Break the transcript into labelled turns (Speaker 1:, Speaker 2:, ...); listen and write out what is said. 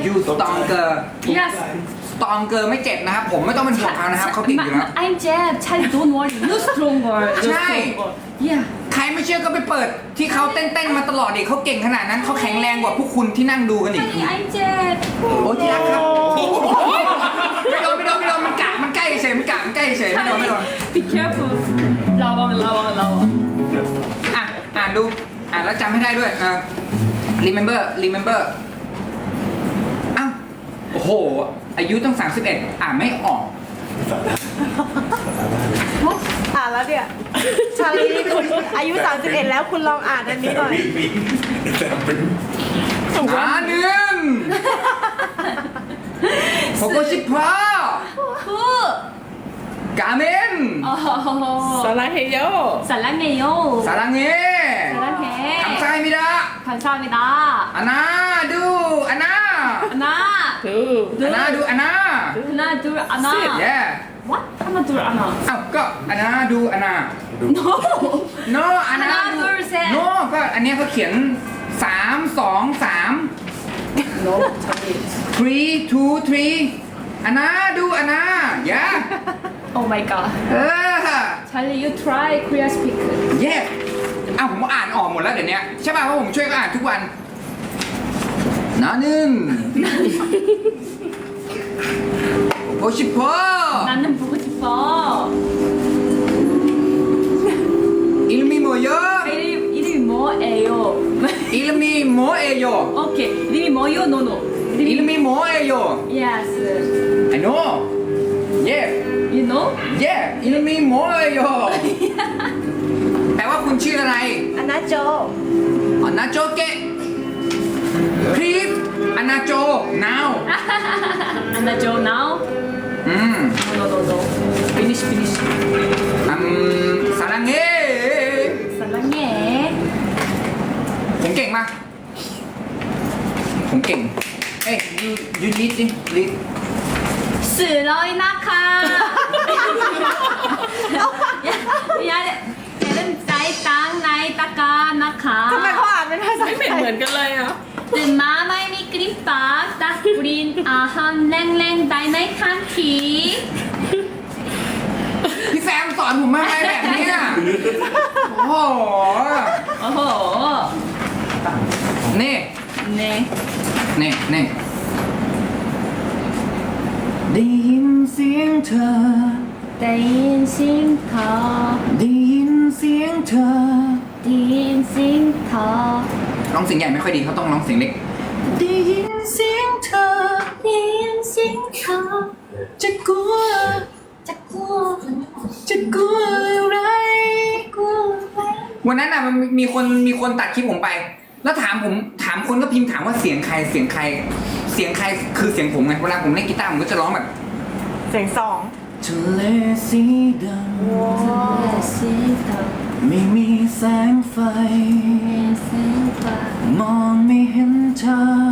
Speaker 1: you stronger
Speaker 2: Yes.
Speaker 1: stronger ไม่เจ็บนะครับ ผมไม่ต้องเป็นห่วงเขานะครับเขาเก่งอยู่แล้ว
Speaker 2: I'm Jeb. Charlie, don't worry. You're stronger. You're
Speaker 1: ใช่
Speaker 2: stronger. Yeah.
Speaker 1: ใครไม่เชื่อก็ไปเปิดที่เขาเต้นๆมาตลอดดิเขาเก่งขนาดนั้นเขาแข็งแรงกว่าพวกคุณที่นั่งดูกันอีก
Speaker 2: Charlie, I'm Jeb.
Speaker 1: โอ้ที่รักครับไม่โดนมันกะมันใกล้เฉยมันใกล้เฉยไม่โดน
Speaker 2: Be careful. 라왕.
Speaker 1: อ่านดูอ่านแล้วจำให้ได้ด้วยremember อ้าวโอ้โหอายุต้อง31อ่านไม่ออก
Speaker 3: อ่านแล้วเนี่ย ชาลีคุณอายุ 31 แล้วคุณลองอ่านอันนี้หน่อย
Speaker 1: หนึ่งโคโกชิพา
Speaker 2: 후.
Speaker 1: กาเมน
Speaker 4: 사랑해요.
Speaker 2: 사랑해요.
Speaker 1: สารังเง
Speaker 2: 사랑해.
Speaker 1: คำไซมิดะ
Speaker 2: 감사합니다.
Speaker 1: อานาดูอานา
Speaker 2: 하나,
Speaker 4: 두.
Speaker 1: อานาดูอานา
Speaker 2: 하나, 둘, 하나.
Speaker 1: yeah
Speaker 2: What? 하나, 둘, 하나.
Speaker 1: อ้าวก็อานาดูอานา
Speaker 2: No.
Speaker 1: no อานา
Speaker 2: 하나,
Speaker 1: ดู
Speaker 2: 둘, 셋.
Speaker 1: no ก็อันเนี้ยเขาเขียน3 2 3
Speaker 4: 너 저기
Speaker 1: 3 2 3อานาดูอานา yeah
Speaker 2: Oh my god.
Speaker 1: เออ
Speaker 2: Charlie, you try Korean speak.
Speaker 1: เย่อ้าวผมอ่านออกหมดแล้วเดี๋ยวนี้ใช่ป่ะเพราะผมช่วยก็อ่านทุกวันนานึนโอชิโพ
Speaker 2: 나는 보고 싶어.
Speaker 1: อิลมิโมโย
Speaker 2: 이름이 뭐예요?
Speaker 1: อิลมิโมเอโย
Speaker 2: 오케이. 이름이 뭐요? 노노.
Speaker 1: อิลมิโมเอโย
Speaker 2: Yes.
Speaker 1: I know yeah
Speaker 2: You know?
Speaker 1: yeah อิลมิโมเอโยแปลว่าคุณชื่ออะไร
Speaker 3: อันนาโจ
Speaker 1: อนาโจเกะ please อนาโจ now
Speaker 2: Anna Jo now?
Speaker 1: อืม
Speaker 2: No. Finish.
Speaker 1: สารังเง
Speaker 2: 사랑해.
Speaker 1: ผมเก่งมากผมเก่งเอ้ยยูรีดดิรีด
Speaker 2: 슬로이 나카. 야, 얘는 나이 땅 나이 따까 나카.
Speaker 3: ทำไมเขาอ่านเป็นภาษา
Speaker 4: ไม่
Speaker 3: ไท
Speaker 4: เหมื
Speaker 3: ย
Speaker 4: อนกันเลยอ่ะ
Speaker 2: 뜬 마마이 미끄림박 딱 뿌린 아함 랭랭 다이나이 칸키.
Speaker 1: พี่แซมสอนผมมาอะไรแบบเนี้ยโอ้โห
Speaker 2: 어허.
Speaker 1: นี่
Speaker 2: 네.
Speaker 1: นี่ได้ยินเสียงเธอ
Speaker 2: 댄싱터.
Speaker 1: ได้ยินเสียงเธอ
Speaker 2: 댄싱터.
Speaker 1: ร้องเสียงใหญ่ไม่ค่อยดีเขาต้องร้องเสียงเล็กได้ยินเสียงเธอ
Speaker 2: 댄싱터.
Speaker 1: จะกลัว
Speaker 2: 자꾸
Speaker 1: จะกลัวอะไร วันนั้นอ่ะมันมีคนตัดคลิปผมไป แล้วถามคนก็พิมพ์ถามว่าเสียงใครคือเสียงผมไงเวลาผมเล่นกีตาร์ผมก็จะร้องแบบ
Speaker 3: เสียงสอง
Speaker 1: ทะเลสีด
Speaker 2: 댄싱터.
Speaker 1: ำไม่มีแสงไฟ
Speaker 2: 댄싱터.
Speaker 1: มองไม่เห็นทาง